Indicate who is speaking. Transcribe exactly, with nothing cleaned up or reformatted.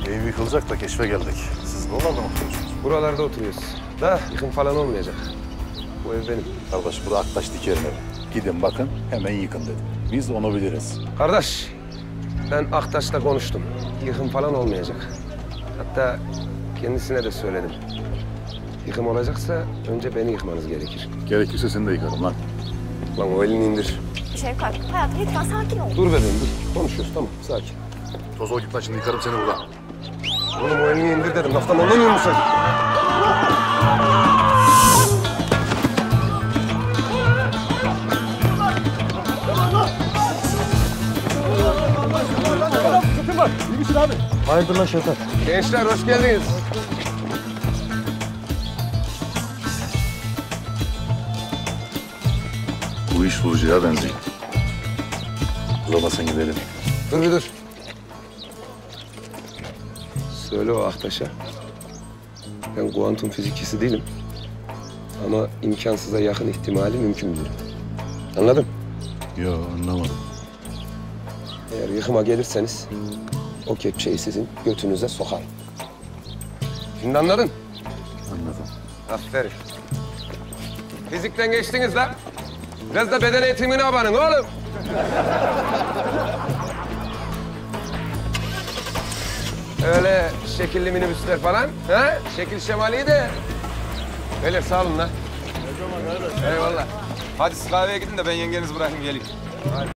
Speaker 1: Ev yıkılacak da keşfe geldik. Siz buralarda mı oturuyorsunuz?
Speaker 2: Buralarda oturuyoruz. Da yıkım falan olmayacak. Bu ev benim.
Speaker 1: Kardeş bu da Aktaş Diker'in evi. Gidin bakın hemen yıkın dedim. Biz onu biliriz.
Speaker 2: Kardeş, ben Aktaş'la konuştum. Yıkım falan olmayacak. Hatta kendisine de söyledim. Yıkım olacaksa önce beni yıkmanız gerekir.
Speaker 1: Gerekirse seni de yıkarım lan.
Speaker 2: Lan o elini indir.
Speaker 3: Şevkat, hayatım lütfen sakin ol.
Speaker 2: Dur bebeğim dur. Konuşuyoruz tamam sakin.
Speaker 1: Toz ol git lan şimdi yıkarım seni buradan.
Speaker 2: Oğlum o elini indir dedim. Laftan anlamıyor musun?
Speaker 4: Hayırdır lan Şevkat?
Speaker 2: Gençler hoş geldiniz.
Speaker 1: Bu iş bulucuya benziyor. Uzamasın gidelim.
Speaker 2: Dur bir dur. Söyle o Aktaş'a. Ben kuantum fizikçisi değilim. Ama imkansıza yakın ihtimali mümkün bilirim. Anladın?
Speaker 1: Yo anlamadım.
Speaker 2: Eğer yıkıma gelirseniz o kepçeyi sizin götünüze sokarım. Şimdi anladın?
Speaker 1: Anladım.
Speaker 2: Aferin. Fizikten geçtiniz lan. Biraz da beden eğitimine abanın oğlum. Öyle şekilli minibüsler falan. Ha? Şekil şemali de. Beyler sağ olun lan. Eyvallah.
Speaker 5: Hadi siz kahveye gidin de ben yengenizi bırakayım geleyim.